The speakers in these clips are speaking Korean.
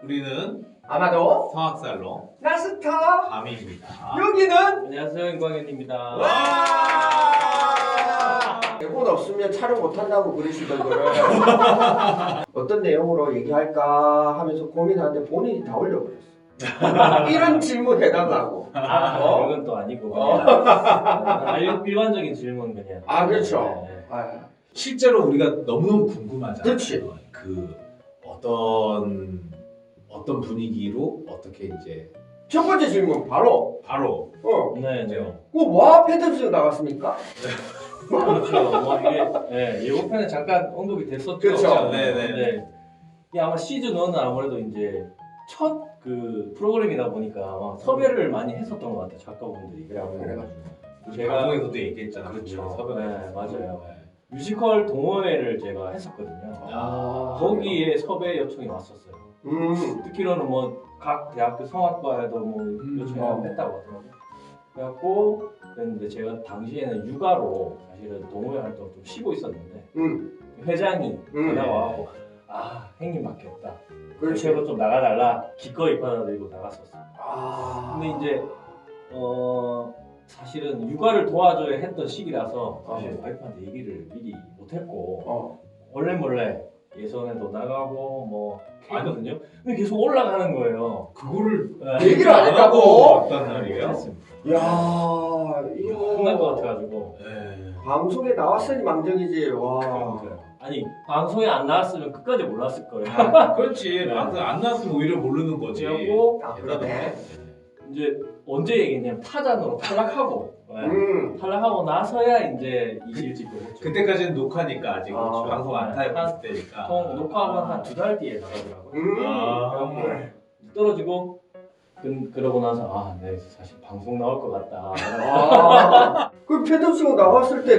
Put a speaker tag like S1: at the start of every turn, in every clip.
S1: 우리는
S2: 아마도
S1: 성악살롱
S2: 나스타
S1: 밤입니다.
S2: 여기는
S3: 안녕하세요, 임광현입니다.
S2: 와 대본 없으면 촬영 못한다고 그러시던 거를 어떤 내용으로 얘기할까 하면서 고민하는데 본인이 다 올려버렸어. 이런 질문 해달라고.
S3: 그건 또 아니고 그냥 일반적인 질문 그냥.
S2: 아 그렇죠.
S3: 네.
S2: 아,
S1: 실제로 우리가 너무너무 궁금하잖아요.
S2: 그렇지.
S1: 그 어떤 분위기로 어떻게 이제
S2: 첫 번째 질문 바로
S1: 바로
S3: 네,
S1: 이제
S3: 네.
S2: 그와 패드스 나갔습니까?
S3: 그렇죠. 뭐 이게 예고편에 잠깐 언급이 됐었죠.
S2: 그렇죠.
S1: 네네.
S3: 이게 아마 시즌 1은 아무래도 이제 첫 그 프로그램이다 보니까 아마 섭외를 많이 했었던 것 같아요, 작가분들이.
S2: 그래가지고
S1: 제가 방송에서도 얘기했잖아요.
S3: 그렇죠.
S1: 섭외.
S3: 네, 맞아요. 뮤지컬 동호회를 제가 했었거든요.
S1: 아,
S3: 거기에 섭외 요청이 왔었어요. 듣기로는 뭐 각 대학교 성악과에도 뭐 요청이 했다고 하더라고요. 그래갖고 그랬는데 제가 당시에는 육아로 사실은 동호회 활동을 좀 쉬고 있었는데 회장이 전화가 와고 아 형님 맡겼다.
S2: 그렇지.
S3: 대표로 좀 나가달라. 기꺼이 받아들이고 나갔었어요. 근데 이제 사실은 육아를 도와줘야 했던 시기라서 사실 와이프한테 얘기를 미리 못했고 몰래 예선에도 나가고 뭐 했거든요. 근데 계속 올라가는 거예요.
S1: 그거를
S2: 얘기를 안 했다고?
S1: 어떤 날이에요?
S3: 했습니다.
S2: 야
S3: 혼날 것
S2: 이거
S3: 같아가지고.
S1: 네.
S2: 방송에 나왔으니 망정이지. 와.
S3: 그러니까요. 아니 방송에 안 나왔으면 끝까지 몰랐을 거예요.
S1: 그렇지.
S3: 네.
S1: 방송 안 나왔으면 오히려 모르는 거지.
S3: 그리고
S2: 아, 그러네.
S3: 이제 언제 얘기했냐면 타잔으로 탈락하고 탈락하고 나서야 이제 이실직을 했죠.
S1: 그때까지는 녹화니까 아직
S2: 아.
S1: 방송 안 타입했을 때니까.
S3: 보통 녹화하고 한 2달 뒤에 나가더라고요.
S1: 아.
S3: 그래갖고 떨어지고 그러고 나서 네 사실 방송 나올 것 같다.
S2: 그 패드스가 나왔을 때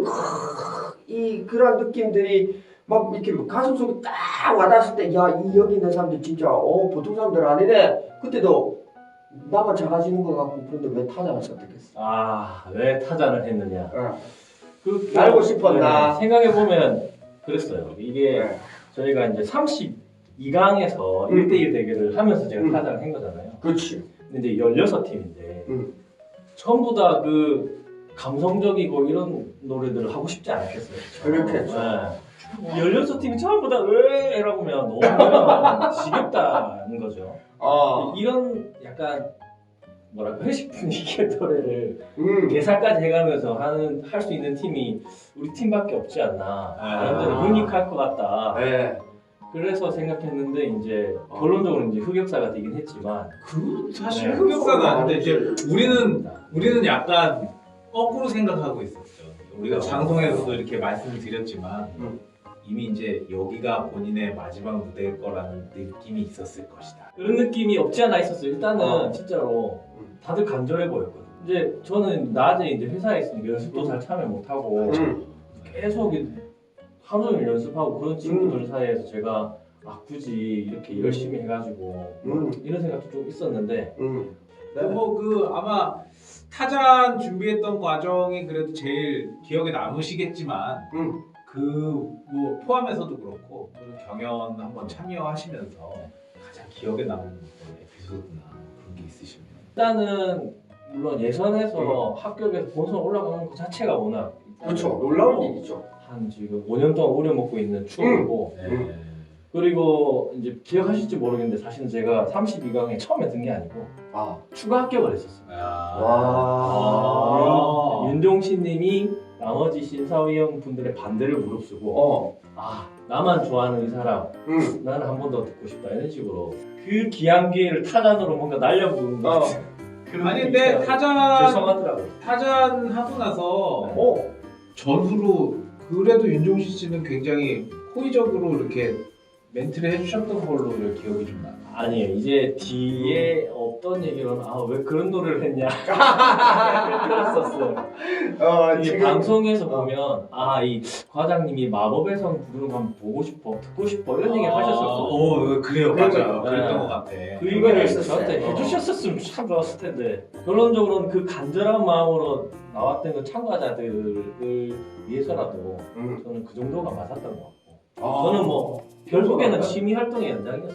S2: 이 그런 느낌들이 막 이렇게 가슴 속에 딱 와닿았을 때 야 이 여기 있는 사람들 진짜 보통 사람들 아니네. 그때도 나만 작아지는 것 같고 그런데 왜 타자를 선택했어?
S3: 왜 타잔을 했느냐.
S2: 알고 싶었나?
S3: 생각해 보면 그랬어요. 이게
S2: 네.
S3: 저희가 이제 32강에서 1대1 대결을 하면서 제가 타잔을 한 거잖아요.
S2: 그렇지.
S3: 근데 이제 16팀인데
S2: 전부
S3: 전부 다 그 감성적이고 이런 노래들을 하고 싶지 않았겠어요.
S2: 그렇겠죠.
S3: 16팀이 전부 다 이라고 하면 너무 지겹다는 거죠. 이런 약간 뭐랄까 회식 분위기의 노래를 개사까지 해가면서 할 수 있는 팀이 우리 팀밖에 없지 않나. 사람들은 유니크할 것 같다.
S2: 네.
S3: 그래서 생각했는데 이제 결론적으로 이제 흑역사가 되긴 했지만
S1: 그 사실
S3: 네.
S1: 흑역사는 아닌데 이제 우리는 약간 거꾸로 생각하고 있었죠. 우리가 방송에서도 이렇게 말씀을 드렸지만 이미 이제 여기가 본인의 마지막 무대일 거라는 느낌이 있었을 것이다.
S3: 그런 느낌이 없지 않아 있었어요. 일단은 진짜로 다들 간절해 보였거든요. 이제 저는 낮에 이제 회사에 있으니까 연습도 잘 참여 못하고 계속 하루 종일 연습하고 그런 친구들 사이에서 제가 굳이 이렇게 열심히 해가지고 이런 생각도 좀 있었는데
S1: 아마 타잔 준비했던 과정이 그래도 제일 기억에 남으시겠지만 뭐 포함해서도 그렇고 경연 한번 참여하시면서 가장 기억에 남는 어떤 에피소드나 그런 게 있으시면
S3: 일단은 물론 예선에서 합격해서 본선 올라가는 것 자체가 워낙
S2: 그렇죠. 놀라운 일이죠.
S3: 한 지금 5년 동안 우려먹고 있는 추억이고
S1: 네.
S3: 그리고 이제 기억하실지 모르겠는데 사실은 제가 32강에 처음에 든 게 아니고 추가 합격을 했었어요. 윤종신님이 나머지 심사위원 분들의 반대를 무릅쓰고 나만 좋아하는 이 사람 나는 한 번 더 듣고 싶다 이런 식으로 그 귀한 기회를 타잔으로 뭔가 날려부은 것 같은
S1: 아니 근데
S3: 죄송하더라고요.
S1: 타잔 하고 나서 전후로 그래도 윤종신 씨는 굉장히 호의적으로 이렇게 멘트를 해주셨던 걸로 기억이 좀 나요.
S3: 아니에요. 이제 뒤에 없던 얘기로는 왜 그런 노래를 했냐 들었었어요. 이게 방송에서 보면 이 과장님이 마법의 성 부르는 거 한번 보고 싶어 듣고 싶어 이런 얘기 하셨었어요.
S1: 그래요. 맞아요. 그랬던 것 같아.
S3: 그 이거를 저한테 해주셨었으면 참 좋았을 텐데 결론적으로는 그 간절한 마음으로 나왔던 그 참가자들을 위해서라도 저는 그 정도가 맞았던 것 같고 저는 뭐 결국에는 취미 활동의 연장이었습니다.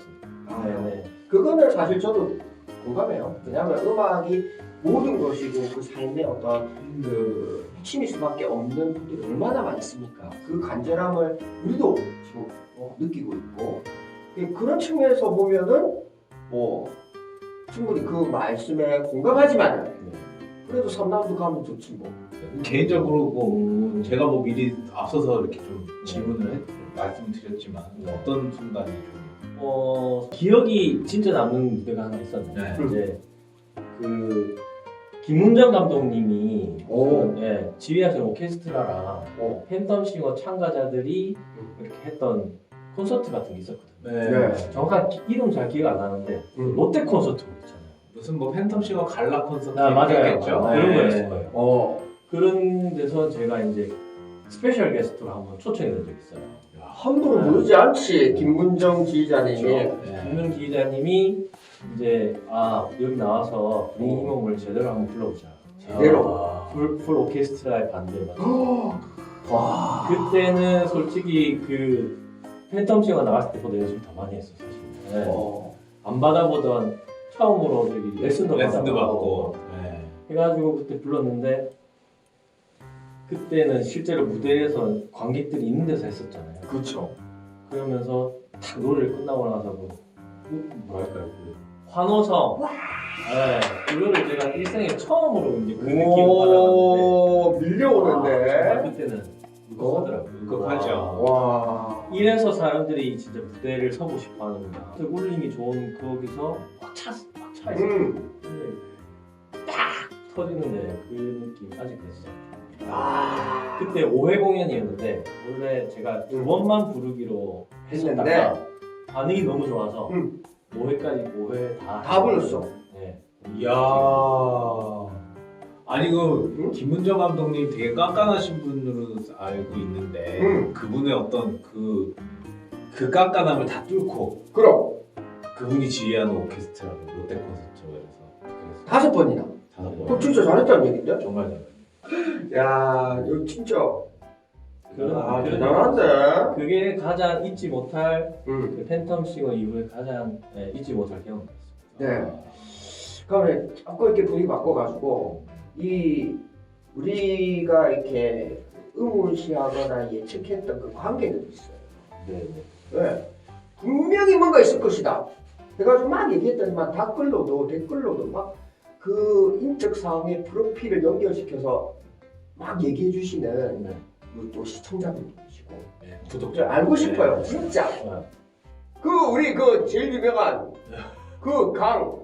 S3: 네네.
S2: 그거는 사실 저도 공감해요. 왜냐하면 음악이 모든 것이고 그 삶의 어떤 그 핵심일 수밖에 없는 분들이 얼마나 많습니까? 그 간절함을 우리도 지금 느끼고 있고 그런 측면에서 보면은 뭐 충분히 그 말씀에 공감하지만 그래도 3라운드 가면 좋지 뭐.
S1: 개인적으로 뭐 제가 뭐 미리 앞서서 이렇게 좀 질문을 말씀을 드렸지만 어떤 순간이 좀
S3: 기억이 진짜 남는 무대가 하나 있었는데
S1: 네.
S3: 이제 그 김문정 감독님이 지휘하신 오케스트라랑 팬덤싱어 참가자들이 이렇게 했던 콘서트 같은 게 있었거든요.
S2: 네.
S3: 정확한 이름 잘 기억 안 나는데 롯데 콘서트 있잖아요.
S1: 무슨 뭐 팬텀싱어 갈라 콘서트
S3: 맞아요.
S1: 있겠죠?
S3: 그런
S1: 네.
S3: 거였을 거예요. 그런 데서 제가 이제 스페셜 게스트로 한번 초청이 된 적이 있어요.
S2: 함부로 부르지 않지 김문정 지휘자님이.
S3: 김문 기자님이 이제 여기 나와서 분위기 힘을 제대로 한번 불러보자.
S2: 제대로.
S3: 풀 오케스트라의 반대에 맞춰서.
S2: 와.
S3: 그때는 솔직히 그 팬텀싱어 나갔을 때보다 연습을 더 많이 했어 사실. 네. 안 받아보던 처음으로 저기 레슨도
S1: 받고
S3: 해가지고 그때 불렀는데 그때는 실제로 무대에서 관객들이 있는 데서 했었잖아요.
S2: 그렇죠.
S3: 그러면서 딱 노래를 끝나고 나서 뭐랄까요 그 환호성. 그거를 제가 일생에 처음으로 이제 그 느낌을 받았는데
S2: 밀려오는데.
S3: 정말 그때는 무겁더라고요.
S1: 무겁하죠.
S2: 와.
S3: 이래서 사람들이 진짜 무대를 서고 싶어 하는구나. 울림이 좋은 거기서 막 차 있어. 근데 딱 터지는데 그 느낌 아직 됐어. 그때 5회 공연이었는데 원래 제가 2번만 부르기로
S2: 했는데
S3: 했었다가 반응이 너무 좋아서 5회까지 5회
S2: 다 불렀어.
S3: 네.
S1: 이야. 아니 그 김문정 감독님 되게 깐깐하신 분으로 알고 있는데 그분의 어떤 그 깐깐함을 다 뚫고
S2: 그럼
S1: 그분이 지휘하는 오케스트라 롯데 콘서트에서
S2: 5번이나.
S1: 5번.
S2: 그럼 진짜 잘했다는 얘긴데?
S1: 정말 잘해요.
S2: 야, 이거 진짜
S3: 그런
S2: 대단한데.
S3: 그게 가장 잊지 못할
S2: 응.
S3: 그 팬텀싱어 이후에 가장 잊지 못할 경험이었습니다.
S2: 네. 그러면 자꾸 이렇게 분위기 바꿔가지고 우리가 이렇게 의문시하거나 예측했던 그 관계들이 있어요. 네. 분명히 뭔가 있을 것이다. 그래가지고 막 얘기했더니만 댓글로도 막 그 인적 사항의 프로필을 연결시켜서 막 얘기해 주시는 또 시청자분들이시고
S1: 구독자
S2: 알고 싶어요. 진짜. 그 우리 그 제일 유명한 그 강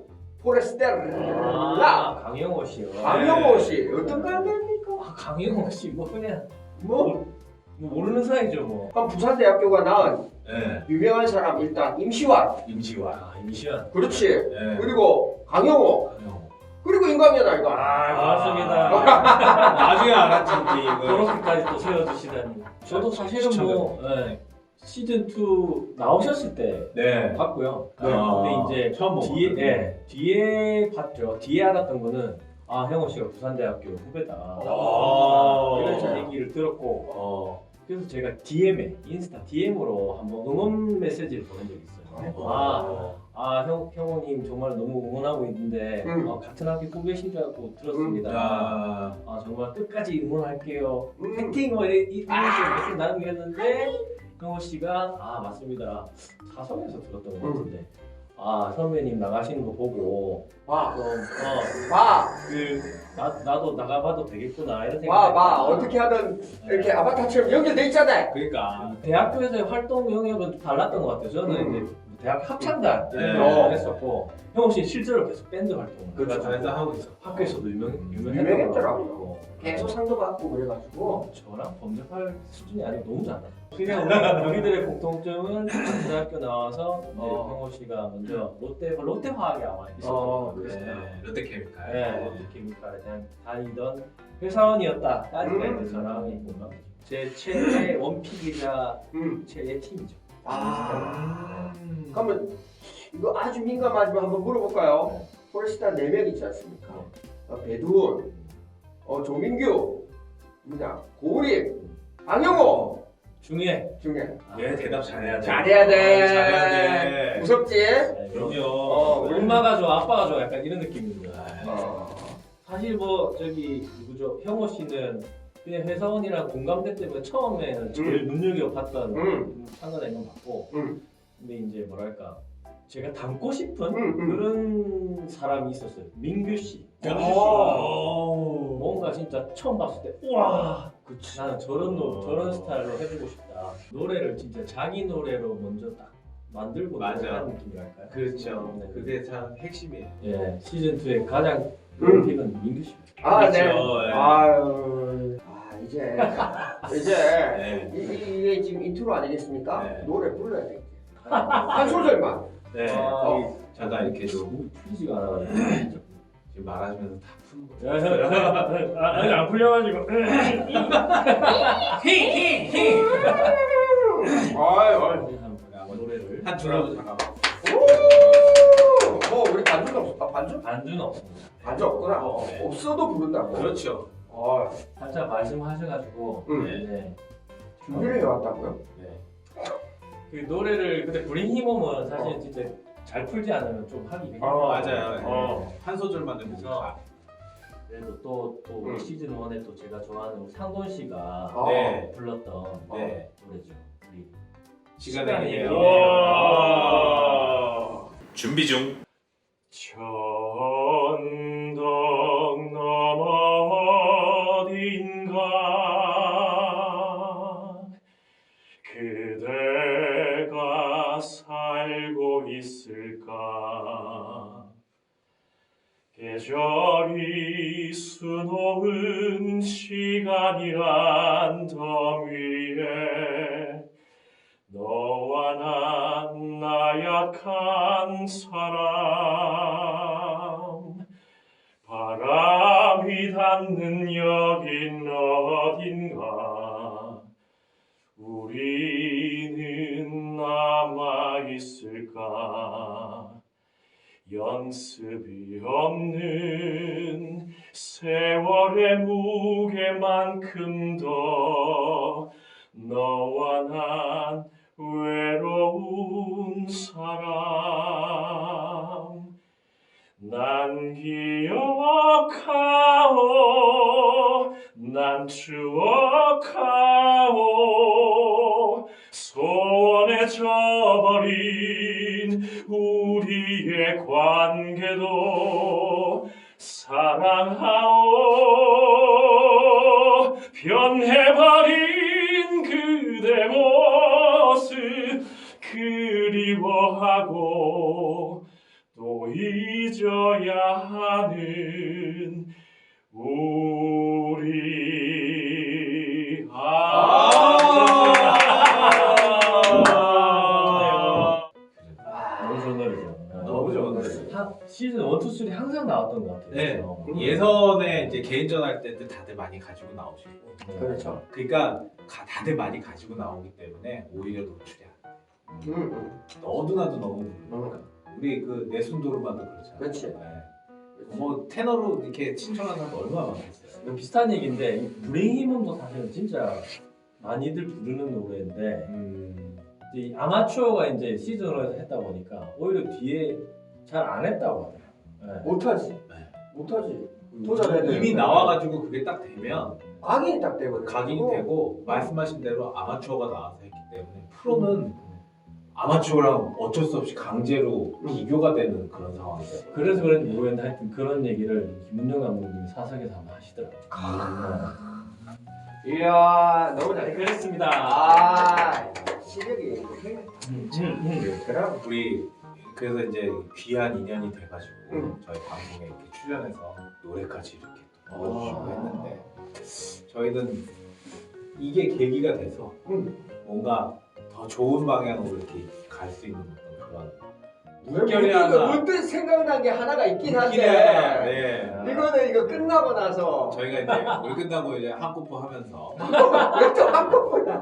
S2: 포레스텔라
S3: 강영호 씨요.
S2: 강영호 씨 어떤 관계입니까?
S3: 강영호 씨 뭐 그냥
S2: 뭐
S3: 모르는 사이죠 뭐.
S2: 그럼 부산대학교가 낳은
S1: 네.
S2: 유명한 사람 일단 임시완.
S3: 임시완.
S2: 그렇지.
S1: 네.
S2: 그리고 강영호. 그리고 인간이야 아이가.
S3: 고맙습니다.
S1: 나중에 알았지 이거.
S3: 그렇게까지 또 세워주시다니. 저도 사실은 뭐 시즌 2 나오셨을 때 봤고요. 근데 이제
S1: 처음
S3: 뒤에 봤죠. 뒤에 알았던 거는 형호 씨가 부산대학교 후배다. 이런 얘기를 들었고 그래서 제가 인스타 DM으로 한번 응원 메시지를 보낸 적이 있어요. 형호님 정말 너무 응원하고 있는데 같은 학교 후배신 줄 알고 들었습니다. 정말 끝까지 응원할게요. 파이팅! 이런 식으로 나누겠는데 형호 씨가 맞습니다. 사석에서 들었던 것 같은데 선배님 나가시는 거 보고 나도 나가봐도 되겠구나 이런 생각이
S2: 어떻게 하든 이렇게 아바타처럼 연결돼 있잖아요.
S1: 그러니까
S3: 대학교에서의 활동 영역은 좀 달랐던 것 같아요. 저는 이제 대학 합창단 했었고 형호 씨 실제로 계속 밴드 활동을
S1: 그래서 하고 있어.
S3: 학교에서도
S2: 유명했더라고요. 계속 상도 받고 그래가지고
S3: 저랑 범접할 수준이 아니고 너무 잘나. 그냥 우리들의 공통점은 대학교 나와서 형호 씨가 먼저 롯데화학에 아마 있었던 것 같아요.
S1: 롯데케미칼.
S3: 롯데케미칼에 다니던 회사원이었다까지가 이제 저랑 있구나. 제 최애 원픽이자 최애 팀이죠.
S2: 그러면 이거 아주 민감하지만 한번 물어볼까요? 포레스타 4명 있지 않습니까? 배두훈, 조민규, 고우림, 강영호,
S3: 중요해.
S2: 중요해.
S1: 예, 대답 잘해야 돼.
S2: 잘해야 돼.
S1: 잘해야 돼.
S2: 무섭지?
S3: 네,
S1: 그럼요.
S3: 엄마가 좋아, 아빠가 좋아, 약간 이런 느낌입니다.
S2: 어.
S3: 사실 뭐 저기 누구죠? 형호 씨는 그냥 회사원이랑 공감대 때문에 처음에는 제일 눈여겨봤던 상관이 건 맞고, 근데 이제 뭐랄까 제가 닮고 싶은 그런 사람이 있었어요. 민규 씨. 뭔가 진짜 처음 봤을 때 우와, 나는 저런 스타일로 해주고 싶다. 노래를 진짜 자기 노래로 먼저 딱 만들고
S1: 맞아.
S3: 하는 느낌이랄까요?
S1: 그렇죠.
S3: 네.
S1: 그게 참 핵심이에요.
S3: 예, 시즌 2의 가장 픽은 민규 씨.
S2: 아, 네.
S1: 그렇죠. 예.
S2: 아유. 이제
S1: 네.
S2: 이게 지금 인트로 아니겠습니까?
S1: 네.
S2: 노래 불러야 돼. 한 소절만.
S1: 네.
S2: 아.
S1: 잠깐 이렇게 좀
S3: 풀리지가 않아가지고.
S1: 지금 말하시면서 다 푸는 거죠.
S3: 아직 안 풀려가지고.
S2: 아유.
S3: 노래를
S1: 한 줄로 잠깐만.
S2: 우리 반주는 없어. 반주?
S3: 반주는 없습니다.
S2: 반주 없구나.
S1: 네.
S2: 없어도 부른다고.
S1: 그렇죠.
S3: 살짝 말씀하셔가지고
S2: 네. 준비를 해왔다고요?
S1: 네.
S3: 그 노래를 근데 브링 히몸은 사실 진짜 잘 풀지 않으면 좀 하기 힘들어요.
S1: 맞아요. 한 소절만 듣고
S3: 그래서 그래도 또
S2: 음.
S3: 시즌 1에 또 제가 좋아하는 상돈 씨가
S1: 네.
S3: 불렀던
S1: 네.
S3: 노래죠. 우리
S1: 시간의
S3: 얘기예요.
S1: 얘기예요. 준비 중.
S3: 천덕 너머 어딘가 그대가 살고 있을까 계절이 수놓은 시간이란 덤 위에 너와 난 나약한 사람 바람이 닿는 여긴 어딘가 우리는 남아있을까 연습이 없는 세월의 무게만큼도 너와 난 외로운 사람 난 기억하오 난 추억하오 소원에 져버린 우리의 관계도 사랑하오 변해버린 그대 모습 그리워하고 또 잊어야 하는 우리 너무 좋은 노래죠.
S1: 너무 좋은 노래.
S3: 시즌 1, 2, 3 항상 나왔던 것 같아요.
S1: 네.
S3: 그래서.
S1: 예선에 이제 개인전 할 때도 다들 많이 가지고 나오시고.
S2: 그렇죠.
S1: 그러니까 다들 많이 가지고 나오기 때문에 오히려 노출이 안 돼. 너도 나도 너무 부르니까. 우리 그 내순도르마도 그렇잖아.
S2: 그렇지.
S1: 네. 뭐 테너로 이렇게 신청하는 사람 얼마나 많겠어요.
S3: 비슷한 얘기인데 브레인 히몬도 사실은 진짜 많이들 부르는 노래인데 이 아마추어가 이제 시즌으로 했다 보니까 오히려 뒤에 잘 안 했다고 하더라고요. 네.
S2: 못하지.
S1: 네.
S2: 못하지. 도전해야 돼.
S1: 이미 나와가지고 그게 딱 되면
S2: 각인이 딱 되거든.
S1: 각인이 되고 말씀하신 대로 아마추어가 나와서 했기 때문에 프로는 아마추어랑 어쩔 수 없이 강제로 비교가 되는 그런 상황이죠.
S3: 그래서 그런지 모르겠는데 하여튼 그런 얘기를 김문정 감독님이 사석에서 한번 하시더라고요.
S2: 이야 너무
S3: 네,
S2: 잘.
S3: 그랬습니다.
S2: 실력이
S3: 그럼
S1: 우리 그래서 이제 귀한 인연이 돼가지고 저희 방송에 이렇게 출연해서 노래까지 이렇게 또 불러주시고 했는데 저희는 이게 계기가 돼서 뭔가 더 좋은 방향으로 이렇게 갈 수 있는 어떤 그런 물결이 하나
S2: 문득 생각난 게 하나가 있긴 한데
S1: 네.
S2: 이거는 이거 끝나고 나서
S1: 저희가 이제 물 끝나고 이제 한국포 하면서
S2: 왜 또 한꺼번에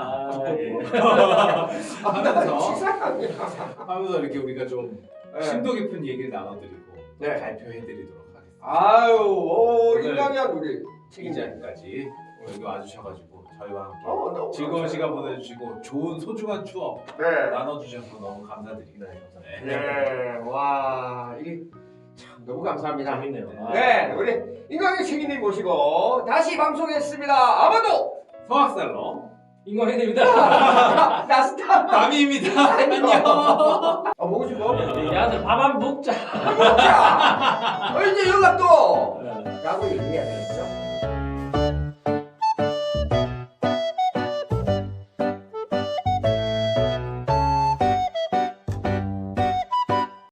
S1: 하면서
S2: 치사하게
S1: 하면서 이렇게 우리가 좀 심도 깊은 얘기를 나눠드리고
S2: 네.
S1: 발표해드리도록 하겠습니다.
S2: 아유 오 인간이야 우리
S1: 이 자리까지 여기 와주셔가지고 저희와 함께
S2: 너무
S1: 즐거운 시간 보내주시고 좋은 소중한 추억
S2: 네.
S1: 나눠주셔서 너무 감사드립니다.
S3: 감사합니다.
S2: 네. 와 이게 참 너무 감사합니다.
S3: 재밌네요. 아.
S2: 네, 우리 인강의 책임님 모시고 다시 방송했습니다. 아마도
S1: 성악살로
S3: 인광현입니다.
S2: 나스타.
S1: 남이입니다. 안녕.
S2: 보고 싶어?
S3: 야들 밥 한 번 먹자.
S2: 먹자. 이제 연락 또.
S3: 네.
S2: 라고 얘기해야 되겠죠.